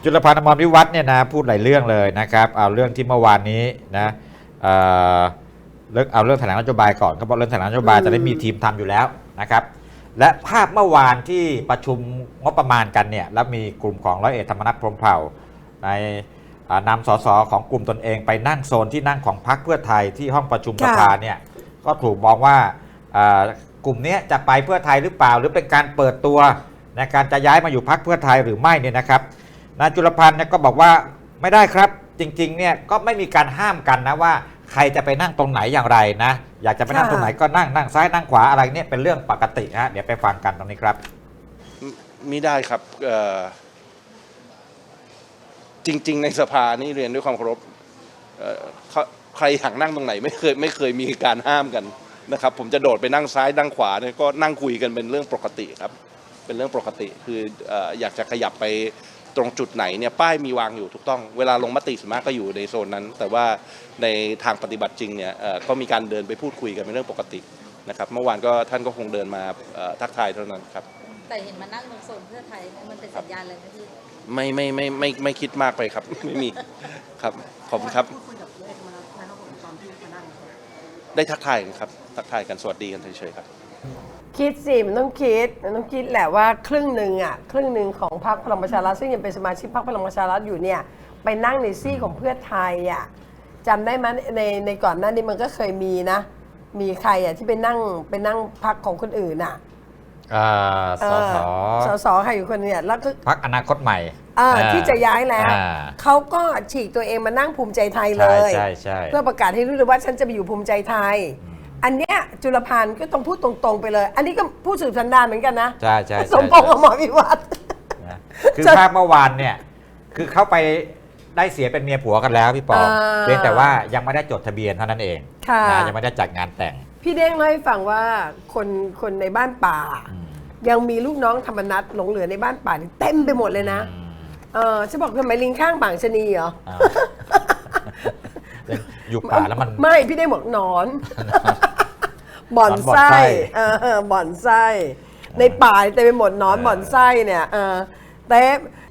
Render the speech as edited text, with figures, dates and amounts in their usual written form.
จุลพันธ์ อมรวิวัฒน์เนี่ยนะพูดหลายเรื่องเลยนะครับเอาเรื่องที่เมื่อวานนี้นะเอ่อเอาเรื่องแถลงนโยบายก่อนเขาบอกเรื่องแถลงนโยบายจะได้มีทีมทำอยู่แล้วนะครับและภาพเมื่อวานที่ประชุมงบประมาณกันเนี่ยแล้วมีกลุ่มของร้อยเอกธรรมนัฐพรหมเผ่าในนำสสของกลุ่มตนเองไปนั่งโซนที่นั่งของพรรคเพื่อไทยที่ห้องประชุมสภาเนี่ยก็ถูกมองว่ากลุ่มนี้จะไปเพื่อไทยหรือเปล่าหรือเป็นการเปิดตัวในการจะย้ายมาอยู่พรรคเพื่อไทยหรือไม่เนี่ยนะครับนายจุลพันธ์เนี่ยก็บอกว่าไม่ได้ครับจริงๆเนี่ยก็ไม่มีการห้ามกันนะว่าใครจะไปนั่งตรงไหนอย่างไรนะอยากจะไปนั่งตรงไหนก็นั่งซ้ายนั่งขวาอะไรเนี่ยเป็นเรื่องปกติฮะเดี๋ยวไปฟังกันตรงนี้ครับมิได้ครับจริงๆในสภานี่เรียนด้วยความเคารพใครอยากนั่งตรงไหนไม่เคยมีการห้ามกันนะครับผมจะโดดไปนั่งซ้ายนั่งขวาเนี่ยก็นั่งคุยกันเป็นเรื่องปกติครับเป็นเรื่องปกติคืออยากจะขยับไปตรงจุดไหนเนี่ยป้ายมีวางอยู่ถูกต้องเวลาลงมติส่วนมากก็อยู่ในโซนนั้นแต่ว่าในทางปฏิบัติจริงเนี่ยก็มีการเดินไปพูดคุยกันเป็นเรื่องปกตินะครับเมื่อวานก็ท่านก็คงเดินมาทักทายเท่านั้นครับแต่เห็นมานั่งตรงโซนเพื่อไทยมันเป็นสัญญาณอะไรไหมพี่ไม่คิดมากไปครับไม่มีครับขอบคุณครับได้ทักทายกันครับทักทายกันสวัสดีกันเฉยๆครับคิดสิมันต้องคิดแหละว่าครึ่งหนึ่งของพรรคพลังประชารัฐซึ่งยังเป็นสมาชิกพรรคพลังประชารัฐอยู่เนี่ยไปนั่งในซี่ของเพื่อไทยอ่ะจำได้ไหมในก่อนหน้านี้มันก็เคยมีนะมีใครอ่ะที่ไปนั่งพรรคของคนอื่นอ่ะสสใครอยู่คนเนี่ยแล้วก็พรรคอนาคตใหม่ที่จะย้ายแล้วเขาก็ฉีกตัวเองมานั่งภูมิใจไทยเลยเพื่อประกาศให้รู้เลยว่าฉันจะไปอยู่ภูมิใจไทยอันเนี้ยจุลพันธ์ก็ต้องพูดตรงๆไปเลยอันนี้ก็พูดสืบสันดานเหมือนกันนะใช่สมพงษ์ อมรวิวัฒน์คือภาพเมื่อวานเนี่ยคือเขาไปได้เสียเป็นเมียผัวกันแล้วพี่ปอเพียงแต่ว่ายังไม่ได้จดทะเบียนเท่านั้นเองยังไม่ได้จัดงานแต่งพี่เด้งเล่าให้ฟังว่าคนในบ้านป่ายังมีลูกน้องธรรมนัสหลงเหลือในบ้านป่าเต็มไปหมดเลยนะฉันบอกทำไมลิงข้างบางชะนีเหรออยู่ป่าแล้วมันไม่พี่ได้บอกนอนบ่อนไส้บ่อนไส้ในป่าเต็มไปหมดนอนบ่อนไส้เนี่ยเต็ม